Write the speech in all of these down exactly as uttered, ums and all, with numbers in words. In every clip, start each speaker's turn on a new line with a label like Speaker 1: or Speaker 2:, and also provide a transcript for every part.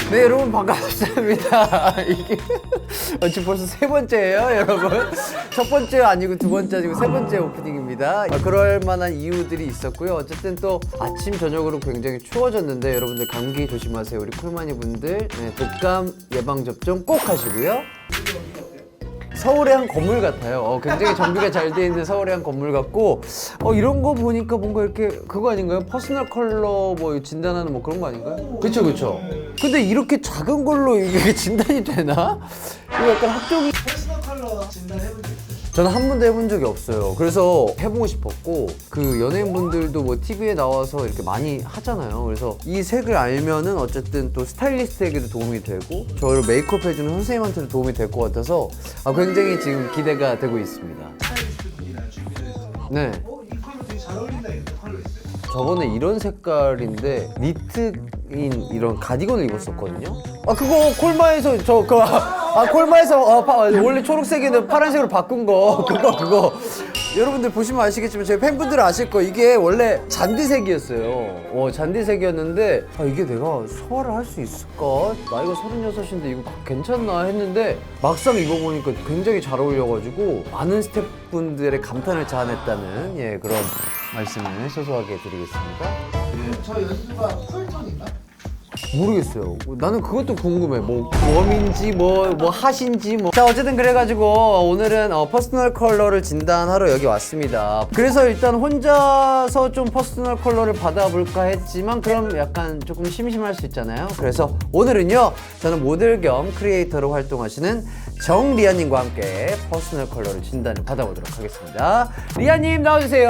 Speaker 1: 네, 여러분 반갑습니다. 이게 지금 벌써 세 번째예요, 여러분. 첫 번째 아니고 두 번째 아니고 세 번째 오프닝입니다. 아, 그럴 만한 이유들이 있었고요. 어쨌든 또 아침 저녁으로 굉장히 추워졌는데 여러분들 감기 조심하세요. 우리 콜마니 분들 네, 독감 예방 접종 꼭 하시고요. 서울의 한 건물 같아요. 어, 굉장히 정비가 잘 돼 있는 서울의 한 건물 같고, 어, 이런 거 보니까 뭔가 이렇게 그거 아닌가요? 퍼스널 컬러 뭐 진단하는 뭐 그런 거 아닌가요? 그쵸 그쵸. 근데 이렇게 작은 걸로 이게 진단이 되나? 이거 약간 학종이.
Speaker 2: 퍼스널 컬러 진단해본 적 있어요?
Speaker 1: 저는 한 번도 해본 적이 없어요. 그래서 해보고 싶었고, 그 연예인분들도 뭐 티비에 나와서 이렇게 많이 하잖아요. 그래서 이 색을 알면은 어쨌든 또 스타일리스트에게도 도움이 되고, 저를 메이크업 해주는 선생님한테도 도움이 될 것 같아서 아, 굉장히 지금 기대가 되고 있습니다.
Speaker 2: 스타일리스트 분이랑 준비를 해서
Speaker 1: 네.
Speaker 2: 어? 이 컬러 되게 잘 어울린다 이랬던 컬러 있어요?
Speaker 1: 저번에 이런 색깔인데 니트인 이런 가디건을 입었었거든요. 아 그거 콜마에서 저 그 아 콜마에서 어, 파, 원래 초록색인데 파란색으로 바꾼 거 그거 그거 여러분들 보시면 아시겠지만 제 팬분들은 아실 거 이게 원래 잔디색이었어요. 어 잔디색이었는데 아 이게 내가 소화를 할 수 있을까? 나이가 서른여섯인데 이거 괜찮나 했는데 막상 입어보니까 굉장히 잘 어울려가지고 많은 스태프분들의 감탄을 자아냈다는 예 그런 말씀을 소소하게 드리겠습니다.
Speaker 2: 저 연수가 쿨톤인가?
Speaker 1: 모르겠어요. 나는 그것도 궁금해. 뭐 웜인지 뭐 뭐 핫인지 뭐. 자 어쨌든 그래가지고 오늘은 어, 퍼스널 컬러를 진단하러 여기 왔습니다. 그래서 일단 혼자서 좀 퍼스널 컬러를 받아볼까 했지만 그럼 약간 조금 심심할 수 있잖아요. 그래서 오늘은요 저는 모델 겸 크리에이터로 활동하시는 정리아님과 함께 퍼스널 컬러를 진단을 받아보도록 하겠습니다. 리아님 나와주세요.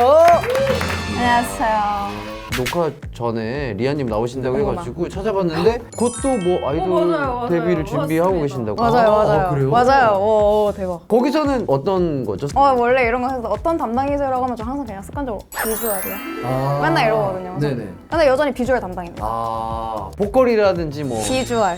Speaker 3: 안녕하세요.
Speaker 1: 녹화 전에 리아님 나오신다고
Speaker 3: 어머나.
Speaker 1: 해가지고 찾아봤는데 그것도 뭐 아이돌
Speaker 3: 어, 맞아요, 맞아요.
Speaker 1: 데뷔를 준비하고
Speaker 3: 맞습니다.
Speaker 1: 계신다고.
Speaker 3: 맞아요,
Speaker 1: 아,
Speaker 3: 맞아요.
Speaker 1: 아, 그래요?
Speaker 3: 맞아요. 오, 오, 대박.
Speaker 1: 거기서는 어떤 거죠?
Speaker 3: 어, 원래 이런 거 해서 어떤 담당이세요라고 하면 저 항상 그냥 습관적으로 비주얼이요.
Speaker 1: 아.
Speaker 3: 맨날 이러거든요. 그래서.
Speaker 1: 네네.
Speaker 3: 근데 여전히 비주얼 담당입니다.
Speaker 1: 아 보컬이라든지 뭐
Speaker 3: 비주얼.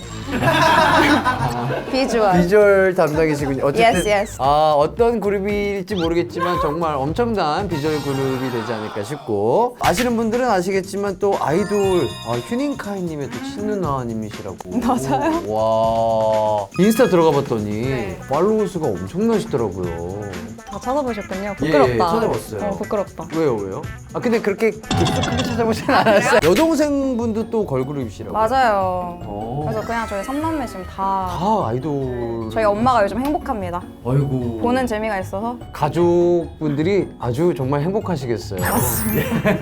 Speaker 3: 비주얼.
Speaker 1: 비주얼 담당이시군요. 어쨌든
Speaker 3: Yes, yes.
Speaker 1: 아 어떤 그룹일지 모르겠지만 정말 엄청난 비주얼 그룹이 되지 않을까 싶고 아시는 분들은 아시겠지만 또 아이돌 아, 휴닝카이님의 또 친누나님이시라고.
Speaker 3: 맞아요?
Speaker 1: 와 인스타 들어가봤더니
Speaker 3: 네.
Speaker 1: 팔로우 수가 엄청나시더라고요.
Speaker 3: 다 찾아보셨군요. 부끄럽다.
Speaker 1: 예, 찾아봤어요.
Speaker 3: 어, 부끄럽다.
Speaker 1: 왜요 왜요? 아 근데 그렇게 깊숙하게 찾아보진 않았어요. 여동생분도 또 걸그룹이시라고.
Speaker 3: 맞아요.
Speaker 1: 어.
Speaker 3: 그래서 그냥 저희 삼남매 지금 다
Speaker 1: 다 아이돌.
Speaker 3: 저희 엄마가 요즘 행복합니다.
Speaker 1: 아이고.
Speaker 3: 보는 재미가 있어서.
Speaker 1: 가족분들이 아주 정말 행복하시겠어요. 맞습니다.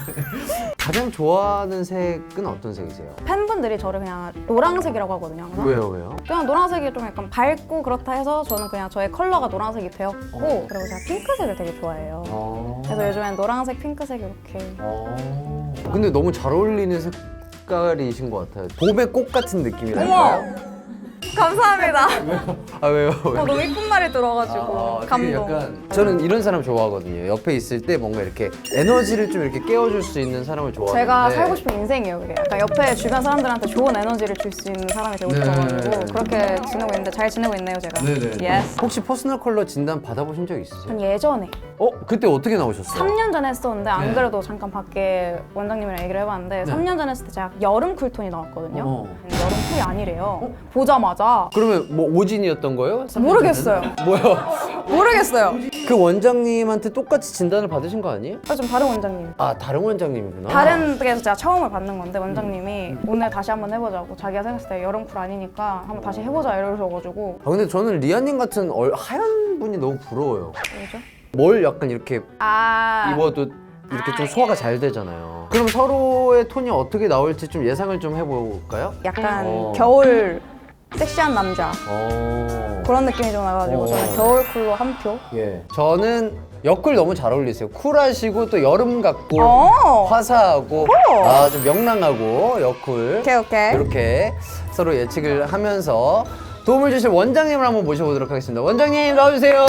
Speaker 1: 가장 좋아하는 색은 어떤 색이세요?
Speaker 3: 팬분들이 저를 그냥 노란색이라고 하거든요. 항상.
Speaker 1: 왜요 왜요?
Speaker 3: 그냥 노란색이 좀 약간 밝고 그렇다 해서 저는 그냥 저의 컬러가 노란색이 되었고 그리고 제가 핑크색을 되게 좋아해요.
Speaker 1: 어.
Speaker 3: 그래서 요즘엔 노란색, 핑크색 이렇게.
Speaker 1: 어. 근데 너무 잘 어울리는 색깔이신 것 같아요. 봄의 꽃 같은 느낌이랄까요?
Speaker 3: 감사합니다.
Speaker 1: 아 왜요?
Speaker 3: 어,
Speaker 1: 왜요?
Speaker 3: 너무 이쁜 말이 들어가지고
Speaker 1: 아, 되게
Speaker 3: 감동.
Speaker 1: 약간 저는 이런 사람 좋아하거든요. 옆에 있을 때 뭔가 이렇게 에너지를 좀 이렇게 깨워줄 수 있는 사람을 좋아하는데
Speaker 3: 제가 살고 싶은 인생이에요, 그게. 약간 옆에 주변 사람들한테 좋은 에너지를 줄 수 있는 사람이 되고
Speaker 1: 네.
Speaker 3: 싶어가지고 그렇게 지내고 있는데 잘 지내고 있네요, 제가. 예스.
Speaker 1: 혹시 퍼스널 컬러 진단 받아보신 적 있으세요?
Speaker 3: 전 예전에
Speaker 1: 어? 그때 어떻게 나오셨어요?
Speaker 3: 삼 년 전에 했었는데 안
Speaker 1: 네.
Speaker 3: 그래도 잠깐 밖에 원장님이랑 얘기를 해봤는데 삼 년 전에 했을 때 제가 여름 쿨톤이 나왔거든요.
Speaker 1: 어.
Speaker 3: 여름 쿨이 아니래요. 보자마자
Speaker 1: 그러면 뭐 오진이었던 거예요?
Speaker 3: 모르겠어요.
Speaker 1: 뭐야?
Speaker 3: 모르겠어요.
Speaker 1: 그 원장님한테 똑같이 진단을 받으신 거 아니에요?
Speaker 3: 아, 좀 다른 원장님.
Speaker 1: 아 다른 원장님이구나.
Speaker 3: 다른 데에서 제가 처음을 받는 건데 원장님이 오늘 다시 한번 해보자고 자기가 생각했을 때 여름 쿨 아니니까 한번 다시 해보자 이러셔가지고
Speaker 1: 아 근데 저는 리아님 같은 얼, 하얀 분이 너무 부러워요.
Speaker 3: 뭐죠?
Speaker 1: 뭘 약간 이렇게
Speaker 3: 아
Speaker 1: 입어도 이렇게 좀 소화가 잘 되잖아요. 그럼 서로의 톤이 어떻게 나올지 좀 예상을 좀 해볼까요?
Speaker 3: 약간
Speaker 1: 어.
Speaker 3: 겨울 섹시한 남자
Speaker 1: 어.
Speaker 3: 그런 느낌이 좀 나가지고
Speaker 1: 어.
Speaker 3: 저는 겨울 쿨로 한 표.
Speaker 1: 예. 저는 옆쿨 너무 잘 어울리세요. 쿨하시고 또 여름 같고
Speaker 3: 어.
Speaker 1: 화사하고 아 좀 명랑하고 여쿨.
Speaker 3: 오케이 오케이.
Speaker 1: 이렇게 서로 예측을 하면서 도움을 주실 원장님을 한번 모셔보도록 하겠습니다. 원장님 나와주세요.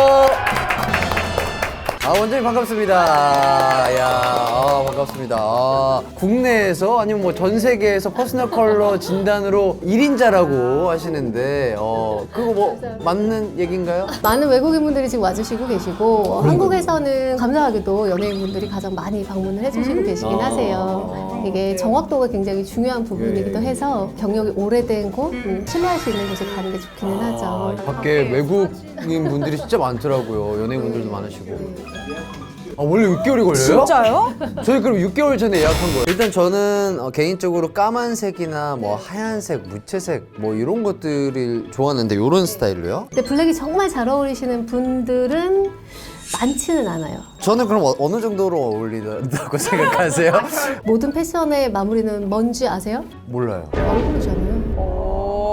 Speaker 1: 아 원장님 반갑습니다. 야 아, 반갑습니다. 아, 국내에서 아니면 뭐 전 세계에서 퍼스널 컬러 진단으로 일 인자라고 하시는데 어 그거 뭐 맞는 얘기인가요?
Speaker 4: 많은 외국인분들이 지금 와주시고 계시고 한국에서는 감사하게도 연예인분들이 가장 많이 방문을 해주시고 계시긴
Speaker 1: 아.
Speaker 4: 하세요. 이게 정확도가 굉장히 중요한 부분이기도 해서 경력이 오래된 곳, 음, 신뢰할 수 있는 곳에 가는 게 좋기는 하죠.
Speaker 1: 아, 밖에 외국인 분들이 진짜 많더라고요. 연예인분들도 많으시고. 아, 원래 육 개월이 걸려요?
Speaker 3: 진짜요?
Speaker 1: 저희 그럼 육 개월 전에 예약한 거예요. 일단 저는 어, 개인적으로 까만색이나 뭐 하얀색, 무채색 뭐 이런 것들을 좋아하는데 이런 스타일로요?
Speaker 4: 근데 블랙이 정말 잘 어울리시는 분들은 많지는 않아요.
Speaker 1: 저는 그럼 어, 어느 정도로 어울린다고 생각하세요?
Speaker 4: 모든 패션의 마무리는 뭔지 아세요?
Speaker 1: 몰라요.
Speaker 4: 얼굴이잖아요.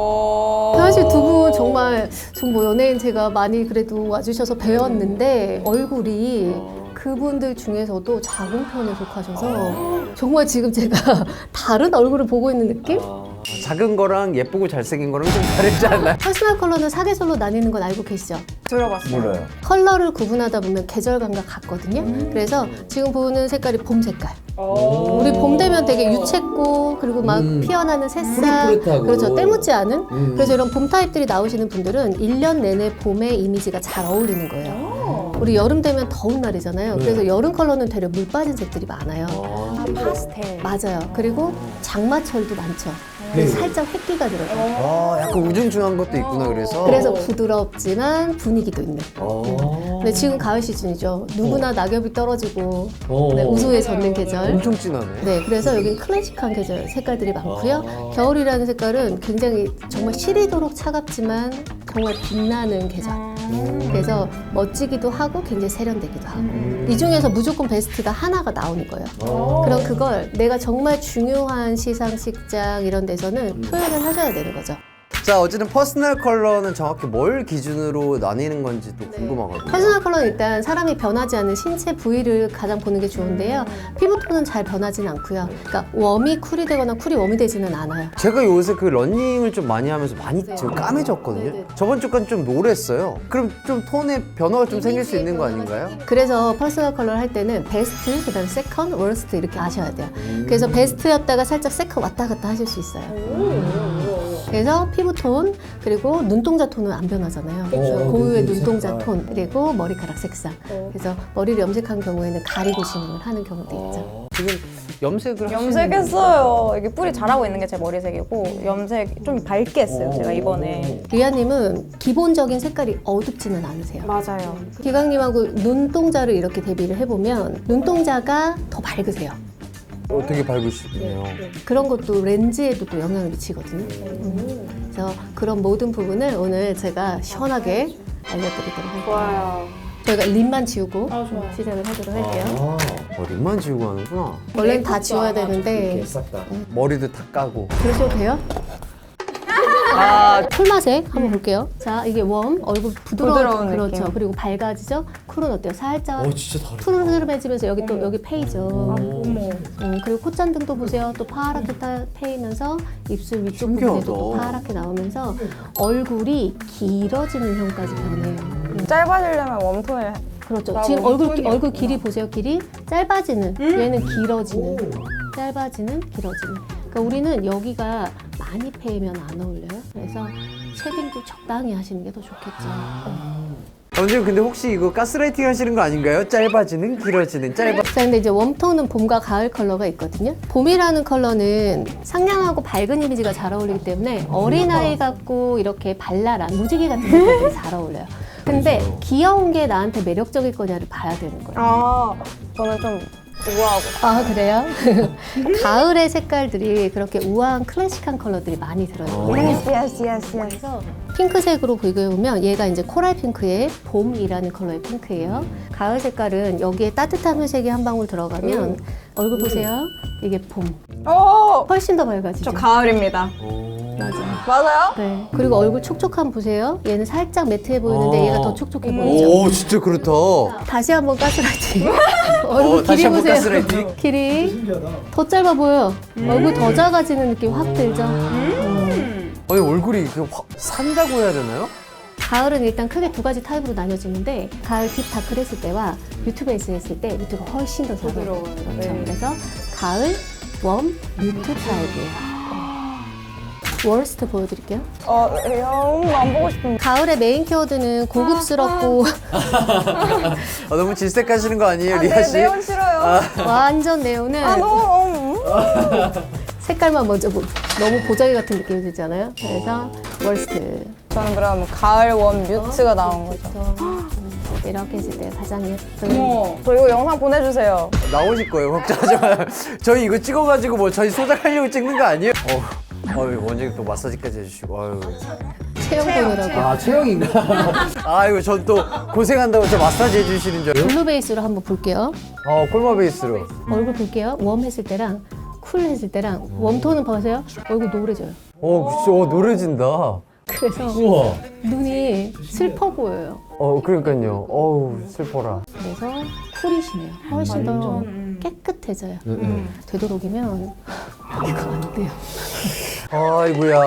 Speaker 4: 사실 두 분 정말 정뭐 연예인 제가 많이 그래도 와주셔서 배웠는데 얼굴이 그분들 중에서도 작은 편에 속하셔서 정말 지금 제가 다른 얼굴을 보고 있는 느낌?
Speaker 1: 작은 거랑 예쁘고 잘생긴 거랑 좀 다르지 않나요?
Speaker 4: 퍼스널 컬러는 사계절로 나뉘는 건 알고 계시죠?
Speaker 3: 들어봤어요.
Speaker 1: 몰라요.
Speaker 4: 컬러를 구분하다 보면 계절감과 같거든요. 그래서 지금 보는 색깔이 봄 색깔. 우리 봄 되면 되게 유채꽃 그리고 막
Speaker 1: 음.
Speaker 4: 피어나는 새싹
Speaker 1: 푸릇푸릇하고.
Speaker 4: 그렇죠. 때묻지 않은
Speaker 1: 음.
Speaker 4: 그래서 이런 봄 타입들이 나오시는 분들은 일 년 내내 봄의 이미지가 잘 어울리는 거예요. 우리 여름 되면 더운 날이잖아요. 그래서 여름 컬러는 되려 물 빠진 색들이 많아요.
Speaker 3: 파스텔.
Speaker 4: 맞아요. 그리고 장마철도 많죠. 그래서 살짝 획기가 들어요.
Speaker 1: 아, 약간 우중충한 것도 있구나 그래서.
Speaker 4: 그래서 부드럽지만 분위기도 있는.
Speaker 1: 어.
Speaker 4: 근데 지금 가을 시즌이죠. 누구나 낙엽이 떨어지고
Speaker 1: 어.
Speaker 4: 네, 우수에 젖는 계절.
Speaker 1: 엄청 진하네.
Speaker 4: 네, 그래서 여기 클래식한 계절 색깔들이 많고요. 겨울이라는 색깔은 굉장히 정말 시리도록 차갑지만 정말 빛나는 계절. 그래서 멋지기도 하고 굉장히 세련되기도 하고. 이 중에서 무조건 베스트가 하나가 나오는 거예요. 그럼 그걸 내가 정말 중요한 시상식장 이런 데서는 표현을 하셔야 되는 거죠.
Speaker 1: 자, 어쨌든 퍼스널 컬러는 정확히 뭘 기준으로 나뉘는 건지 또 궁금하거든요.
Speaker 4: 퍼스널 컬러는 일단 사람이 변하지 않는 신체 부위를 가장 보는 게 좋은데요. 피부톤은 잘 변하진 않고요. 그러니까 웜이 쿨이 되거나 쿨이 웜이 되지는 않아요.
Speaker 1: 제가 요새 그 러닝을 좀 많이 하면서 많이 좀 까매졌거든요.
Speaker 4: 네네.
Speaker 1: 저번 주까지 좀 노랬어요. 그럼 좀 톤에 변화가 좀 생길 수 있는 거 아닌가요?
Speaker 4: 그래서 퍼스널 컬러를 할 때는 베스트, 그다음 세컨, 워스트 이렇게 아셔야 돼요. 그래서 베스트였다가 살짝 세컨 왔다 갔다 하실 수 있어요. 그래서 피부톤 그리고 눈동자 톤은 안 변하잖아요. 그래서 고유의 눈동자 톤 그리고 머리카락 색상. 그래서 머리를 염색한 경우에는 가리고 진행을 하는 경우도 있죠.
Speaker 1: 지금 염색을 하시는
Speaker 3: 염색했어요. 이게 뿔이 자라고 있는 게 제 머리색이고 염색 좀 밝게 했어요. 제가 이번에.
Speaker 4: 리아님은 기본적인 색깔이 어둡지는 않으세요.
Speaker 3: 맞아요.
Speaker 4: 기강님하고 눈동자를 이렇게 대비를 해보면 눈동자가 더 밝으세요.
Speaker 1: 어, 되게 밝으시네요.
Speaker 4: 그런 것도 렌즈에도 또 영향을 미치거든요. 음. 그래서 그런 모든 부분을 오늘 제가 시원하게 알려드리도록 할게요.
Speaker 3: 좋아요.
Speaker 4: 저희가 립만 지우고
Speaker 3: 아, 좋아요.
Speaker 4: 시작을 하도록 할게요.
Speaker 1: 아, 어, 립만 지우고 하는구나.
Speaker 4: 원래는 다 지워야 되는데
Speaker 1: 머리도 다 까고.
Speaker 4: 그러셔도 돼요?
Speaker 1: 아,
Speaker 4: 쿨맛색 한번 볼게요. 자, 이게 웜, 얼굴 부드러운,
Speaker 3: 부드러운
Speaker 4: 그렇죠.
Speaker 3: 느낌.
Speaker 4: 그리고 밝아지죠. 쿨은 어때요? 살짝
Speaker 1: 어, 진짜 다르다.
Speaker 4: 푸르르해지면서 여기 또 여기 페이죠.
Speaker 3: 어머.
Speaker 4: 음, 그리고 콧잔등도 보세요. 또 파랗게 타, 패이면서 입술 위쪽
Speaker 1: 신기하다.
Speaker 4: 부분에도 또 파랗게 나오면서 얼굴이 길어지는 형까지 변해요. 음,
Speaker 3: 짧아지려면 웜톤을
Speaker 4: 그렇죠.
Speaker 3: 나
Speaker 4: 지금
Speaker 3: 웜톤이
Speaker 4: 얼굴 기- 얼굴
Speaker 3: 없구나.
Speaker 4: 길이 보세요. 길이 짧아지는 얘는 길어지는 짧아지는 길어지는. 그러니까 우리는 여기가 많이 패이면 안 어울려요. 그래서 쉐딩도 적당히 하시는 게 더 좋겠죠.
Speaker 1: 원장님 근데 혹시 이거 가스라이팅 하시는 거 아닌가요? 짧아지는, 길어지는, 짧아.
Speaker 4: 자, 근데 이제 웜톤은 봄과 가을 컬러가 있거든요. 봄이라는 컬러는 상냥하고 밝은 이미지가 잘 어울리기 때문에 어린아이 같고 이렇게 발랄한 무지개 같은 색깔이 잘 어울려요. 근데 귀여운 게 나한테 매력적일 거냐를 봐야 되는 거예요.
Speaker 3: 아, 저는 좀 우아하고.
Speaker 4: 아, 그래요? 가을의 색깔들이 그렇게 우아한 클래식한 컬러들이 많이 들어있거든요.
Speaker 3: 예스, 예스, 예스, 예스.
Speaker 4: 그래서 핑크색으로 비교해보면 얘가 이제 코랄 핑크의 봄이라는 컬러의 핑크예요. 가을 색깔은 여기에 따뜻한 회색이 한 방울 들어가면 얼굴 보세요. 이게 봄.
Speaker 3: 오!
Speaker 4: 훨씬 더 밝아지죠.
Speaker 3: 저 가을입니다.
Speaker 4: 맞아요.
Speaker 3: 맞아요?
Speaker 4: 네. 그리고 얼굴 촉촉함 보세요. 얘는 살짝 매트해 보이는데
Speaker 1: 어.
Speaker 4: 얘가 더 촉촉해 보이죠.
Speaker 1: 오, 진짜 그렇다.
Speaker 4: 다시 한번 가스라이팅. 얼굴
Speaker 1: 어, 다시
Speaker 4: 길이
Speaker 1: 한번
Speaker 4: 보세요.
Speaker 1: 가스라이팅.
Speaker 4: 길이
Speaker 2: 신기하다.
Speaker 4: 더 짧아 보여. 얼굴 더 작아지는 느낌 확 들죠. 음.
Speaker 1: 아니, 얼굴이 그 확 산다고 해야 되나요?
Speaker 4: 가을은 일단 크게 두 가지 타입으로 나뉘어지는데 가을 딥 다크를 했을 때와 뮤트베이스 했을 때 뮤트가 훨씬 더 잘 어울려요.
Speaker 3: 부드러워요.
Speaker 4: 그렇죠.
Speaker 3: 네.
Speaker 4: 그래서 가을, 웜, 뮤트 타입이에요. 워스트 보여드릴게요.
Speaker 3: 어, 영, 안 보고 싶은데.
Speaker 4: 가을의 메인 키워드는 고급스럽고
Speaker 1: 아, 너무 질색하시는 거 아니에요,
Speaker 3: 아,
Speaker 1: 리아
Speaker 3: 네,
Speaker 1: 씨?
Speaker 3: 네온 싫어요.
Speaker 4: 완전 네오는
Speaker 3: 아 너무
Speaker 4: 색깔만 먼저 보, 너무 보자기 같은 느낌이 들잖아요. 그래서 월스트.
Speaker 3: 저는 그럼 가을 원 뮤트가 나온 거죠.
Speaker 4: 그래서 이렇게 했을 때 가장 예쁜.
Speaker 3: 어머, 저 이거 영상 보내주세요.
Speaker 1: 나오실 거예요. 걱정하지 마요. 저희 이거 찍어가지고 뭐 저희 소장하려고 찍는 거 아니에요? 어, 어이 원장님 또 마사지까지 해주시고. 아유.
Speaker 4: 체형 보느라고.
Speaker 1: 아 체형인가? 아이고 전 또 고생한다고 저 마사지 해주시는 줄.
Speaker 4: 블루 베이스로 한번 볼게요.
Speaker 1: 어 콜마 베이스로.
Speaker 4: 얼굴 볼게요. 웜 했을 때랑 쿨 했을 때랑 웜톤은 보세요. 얼굴 노래져요.
Speaker 1: 어 그치. 어 노래진다.
Speaker 4: 그래서
Speaker 1: 우와.
Speaker 4: 눈이 슬퍼 보여요.
Speaker 1: 어 그러니까요. 어우 슬퍼라.
Speaker 4: 그래서 쿨이시네요. 훨씬 더 깨끗해져요. 되도록이면 이거 안 돼요.
Speaker 1: 아이고야.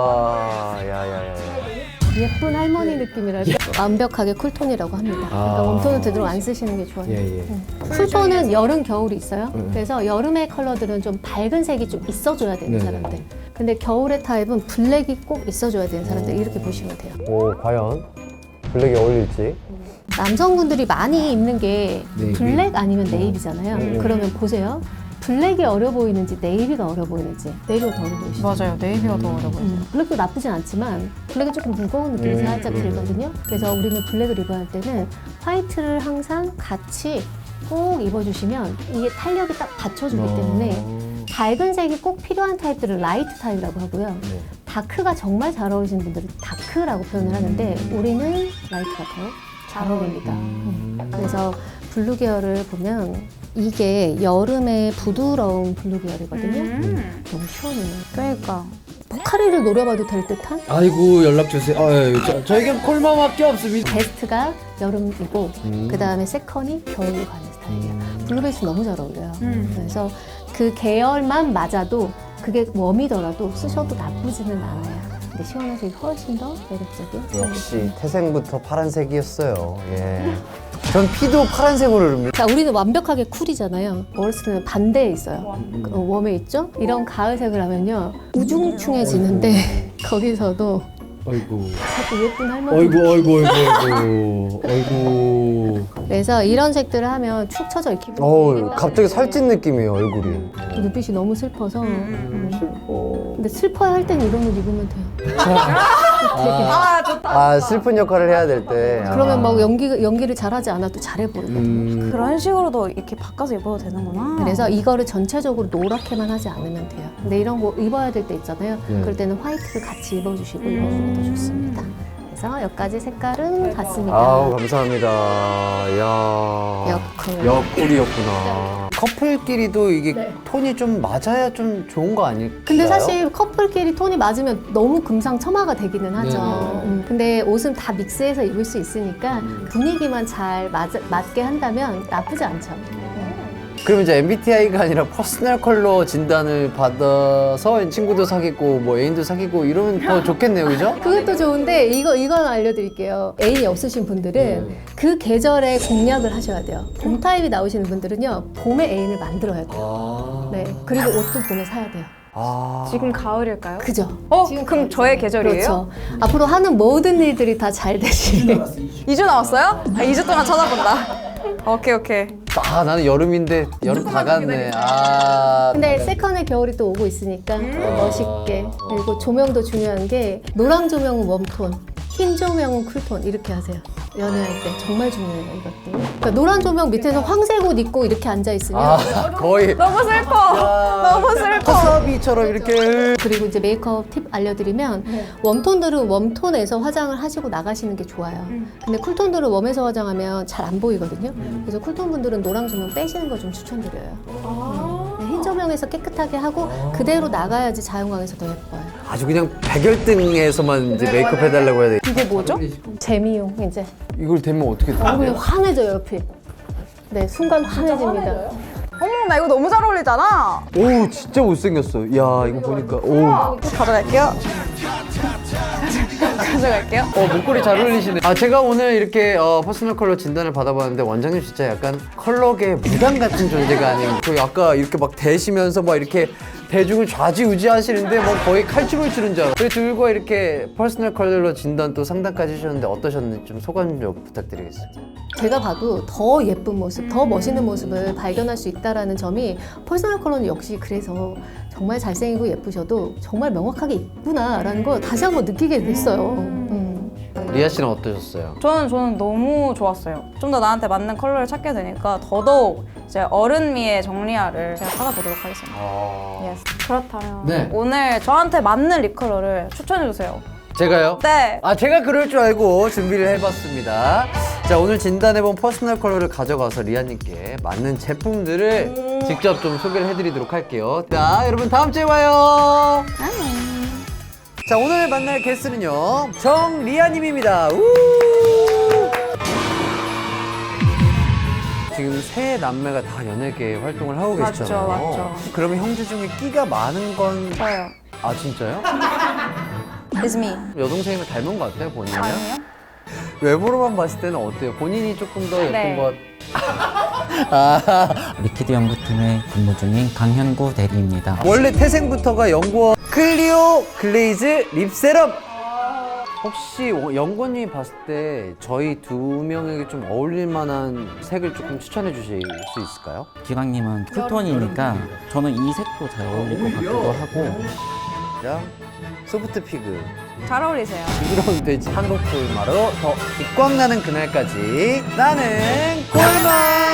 Speaker 1: 야야야.
Speaker 4: 예쁜 할머니 느낌이랄까 완벽하게 쿨톤이라고 합니다. 그러니까
Speaker 1: 아.
Speaker 4: 웜톤은 되도록 안 쓰시는 게 좋아요.
Speaker 1: 예, 예.
Speaker 4: 음. 쿨톤은 여름, 겨울이 있어요. 그래서 여름의 컬러들은 좀 밝은 색이 좀 있어줘야 되는
Speaker 1: 네네.
Speaker 4: 사람들. 근데 겨울의 타입은 블랙이 꼭 있어줘야 되는 사람들 이렇게 보시면 돼요.
Speaker 1: 오 과연 블랙이 어울릴지.
Speaker 4: 남성분들이 많이 입는 게
Speaker 1: 네이비.
Speaker 4: 블랙 아니면 네이비잖아요.
Speaker 1: 음.
Speaker 4: 그러면 보세요. 블랙이 어려 보이는지 네이비가 어려 보이는지 네이비가 더 어려 보이시죠?
Speaker 3: 맞아요. 네이비가 더 어려 보여요.
Speaker 4: 음, 블랙도 나쁘진 않지만 블랙은 조금 무거운 느낌이
Speaker 1: 음,
Speaker 4: 살짝
Speaker 1: 음.
Speaker 4: 들거든요. 그래서 우리는 블랙을 입어야 할 때는 화이트를 항상 같이 꼭 입어주시면 이게 탄력이 딱 받쳐주기 때문에 밝은 색이 꼭 필요한 타입들은 라이트 타입이라고 하고요.
Speaker 1: 네.
Speaker 4: 다크가 정말 잘 어울리시는 분들은 다크라고 표현을 하는데 우리는 라이트가 더 잘 어울립니다. 음. 그래서 블루 계열을 보면 이게 여름의 부드러운 블루 계열이거든요.
Speaker 3: 음.
Speaker 4: 너무 시원해요.
Speaker 3: 그러니까.
Speaker 4: 포카리를 노려봐도 될 듯한?
Speaker 1: 아이고 연락 주세요. 아유, 저, 저에겐 콜마밖에 없습니다.
Speaker 4: 베스트가 여름이고
Speaker 1: 음.
Speaker 4: 그 다음에 세컨이 겨울로 가는 스타일이에요. 블루베이스 너무 잘 어울려요.
Speaker 3: 음.
Speaker 4: 그래서 그 계열만 맞아도 그게 웜이더라도 쓰셔도 나쁘지는 않아요. 근데 시원한 색이 훨씬 더 매력적인 스타일이에요.
Speaker 1: 역시 태생부터 파란색이었어요. 예. 전 피도 파란색으로 흐릅니다.
Speaker 4: 자, 우리는 완벽하게 쿨이잖아요. 월스트는 반대에 있어요. 어, 웜에 있죠? 이런 가을색을 하면요. 우중충해지는데 거기서도
Speaker 1: 아이고.
Speaker 4: 자꾸 예쁜 할머니.
Speaker 1: 아이고 아이고 아이고 아이고.
Speaker 4: 그래서 이런 색들을 하면 축 처져 있기
Speaker 1: 어우 갑자기 살찐 느낌이에요 얼굴이.
Speaker 4: 눈빛이 너무 슬퍼서 음. 근데 슬퍼야 할 땐 이런 옷 입으면 돼요.
Speaker 3: 아 좋다.
Speaker 1: 아 슬픈 역할을 해야 될 때. 아.
Speaker 4: 그러면 막 연기, 연기를 잘하지 않아도 잘해 보이거든요.
Speaker 1: 음.
Speaker 3: 그런 식으로도 이렇게 바꿔서 입어도 되는구나.
Speaker 4: 그래서 이거를 전체적으로 노랗게만 하지 않으면 돼요. 근데 이런 거 입어야 될 때 있잖아요.
Speaker 1: 네.
Speaker 4: 그럴 때는 화이트를 같이 입어주시고 입어주면 더 좋습니다. 그래서 여기까지 색깔은 같습니다.
Speaker 1: 아우 감사합니다. 야.
Speaker 4: 역쿨.
Speaker 1: 역쿨이었구나. 커플끼리도 이게 톤이 좀 맞아야 좀 좋은 거 아닐까요?
Speaker 4: 근데 사실 커플끼리 톤이 맞으면 너무 금상첨화가 되기는 하죠.
Speaker 1: 네.
Speaker 4: 음, 근데 옷은 다 믹스해서 입을 수 있으니까 분위기만 잘 맞, 맞게 한다면 나쁘지 않죠.
Speaker 1: 그럼 이제 엠비티아이가 아니라 퍼스널 컬러 진단을 받아서 친구도 사귀고 뭐 애인도 사귀고 이러면 더 좋겠네요, 그죠?
Speaker 4: 그것도 좋은데 이거 이건 알려드릴게요. 애인이 없으신 분들은
Speaker 1: 네.
Speaker 4: 그 계절에 공략을 하셔야 돼요. 봄 타입이 나오시는 분들은요 봄에 애인을 만들어야 돼요.
Speaker 1: 아.
Speaker 4: 네 그리고 옷도 봄에 사야 돼요.
Speaker 1: 아.
Speaker 3: 지금 가을일까요?
Speaker 4: 그죠?
Speaker 3: 어?
Speaker 4: 지금
Speaker 3: 그럼 저의 계절이에요?
Speaker 4: 그렇죠. 앞으로 하는 모든 일들이 다 잘 되시길.
Speaker 3: 이 주 남았어요? 아, 이 주 동안 찾아본다. 오케이 오케이.
Speaker 1: 아 나는 여름인데 여름 다 갔네. 아.
Speaker 4: 근데 세컨의 겨울이 또 오고 있으니까 멋있게. 그리고 조명도 중요한 게 노랑 조명은 웜톤, 흰 조명은 쿨톤 이렇게 하세요. 연애할 때 정말 중요해요 이것도. 그러니까 노란 조명 밑에서 황색 옷 입고 이렇게 앉아 있으면
Speaker 1: 아 거의
Speaker 3: 너무 슬퍼. 너무 슬퍼.
Speaker 1: 와사비처럼 이렇게.
Speaker 4: 그리고 이제 메이크업 팁 알려드리면 웜톤들은 웜톤에서 화장을 하시고 나가시는 게 좋아요. 근데 쿨톤들은 웜에서 화장하면 잘 안 보이거든요. 그래서 쿨톤 분들은 노랑 조명 빼시는 걸 좀 추천드려요. 음. 흰 조명에서 깨끗하게 하고 그대로 나가야지 자연광에서 더 예뻐요.
Speaker 1: 아주 그냥 백열등에서만 이제 메이크업 해달라고 해야 돼.
Speaker 3: 이게 뭐죠?
Speaker 4: 재미용 이제
Speaker 1: 이걸 되면 어떻게 돼?
Speaker 4: 얼굴이 환해져요 옆이. 네 순간 환해집니다.
Speaker 3: 어머 나 이거 너무 잘 어울리잖아.
Speaker 1: 오 진짜 못생겼어. 야 이거 보니까 오.
Speaker 3: 가져갈게요. 가져갈게요.
Speaker 1: 어, 목걸이 잘 어울리시네. 아, 제가 오늘 이렇게 어, 퍼스널 컬러 진단을 받아봤는데 원장님 진짜 약간 컬러계 무당 같은 존재가 아닌 그 아까 이렇게 막 대시면서 막 이렇게 대중을 좌지우지 하시는데 뭐 거의 칼춤을 추는 줄 알아. 그 들고 이렇게 퍼스널 컬러 진단 또 상담까지 해주셨는데 어떠셨는지 좀 소감 좀 부탁드리겠습니다.
Speaker 4: 제가 봐도 더 예쁜 모습, 더 멋있는 모습을 발견할 수 있다는 점이 퍼스널 컬러는 역시 그래서 정말 잘생기고 예쁘셔도 정말 명확하게 이쁘나라는 걸 다시 한번 느끼게 됐어요. 음.
Speaker 1: 리아 씨는 어떠셨어요?
Speaker 3: 저는 저는 너무 좋았어요. 좀 더 나한테 맞는 컬러를 찾게 되니까 더더욱 이제 어른미의 정리화를 제가 찾아보도록 하겠습니다.
Speaker 1: 아...
Speaker 3: 예스. 그렇다면
Speaker 1: 네.
Speaker 3: 오늘 저한테 맞는 립 컬러를 추천해 주세요.
Speaker 1: 제가요?
Speaker 3: 네.
Speaker 1: 아, 제가 그럴 줄 알고 준비를 해봤습니다. 자, 오늘 진단해본 퍼스널 컬러를 가져가서 리아님께 맞는 제품들을 직접 좀 소개를 해드리도록 할게요. 자, 여러분 다음 주에 봐요. 자, 오늘 만날 게스트는요, 정리아님입니다. 우! 지금 세 남매가 다 연예계 활동을 하고
Speaker 3: 맞죠,
Speaker 1: 계시잖아요.
Speaker 3: 맞죠.
Speaker 1: 그러면 형제 중에 끼가 많은 건...
Speaker 3: 저요.
Speaker 1: 아, 진짜요?
Speaker 3: It's me.
Speaker 1: 여동생이랑 닮은 것 같아요, 본인이요?
Speaker 3: 아니요?
Speaker 1: 외모로만 봤을 때는 어때요? 본인이 조금 더 예쁜
Speaker 3: 네.
Speaker 1: 것. 아,
Speaker 5: 리퀴드 연구팀에 근무 중인 강현구 대리입니다.
Speaker 1: 원래 태생부터가 연구원 클리오 글레이즈 립세럼. 혹시 연구원님이 봤을 때 저희 두 명에게 좀 어울릴 만한 색을 조금 추천해 주실 수 있을까요?
Speaker 5: 기광님은 쿨톤이니까 저는 이 색도 잘 어울릴 것 같기도 하고
Speaker 1: 자, 소프트 피그,
Speaker 3: 잘 어울리세요.
Speaker 1: 부드러운 돼지, 한국 꿀마로 더 빛광 나는 그날까지 나는 꿀맛.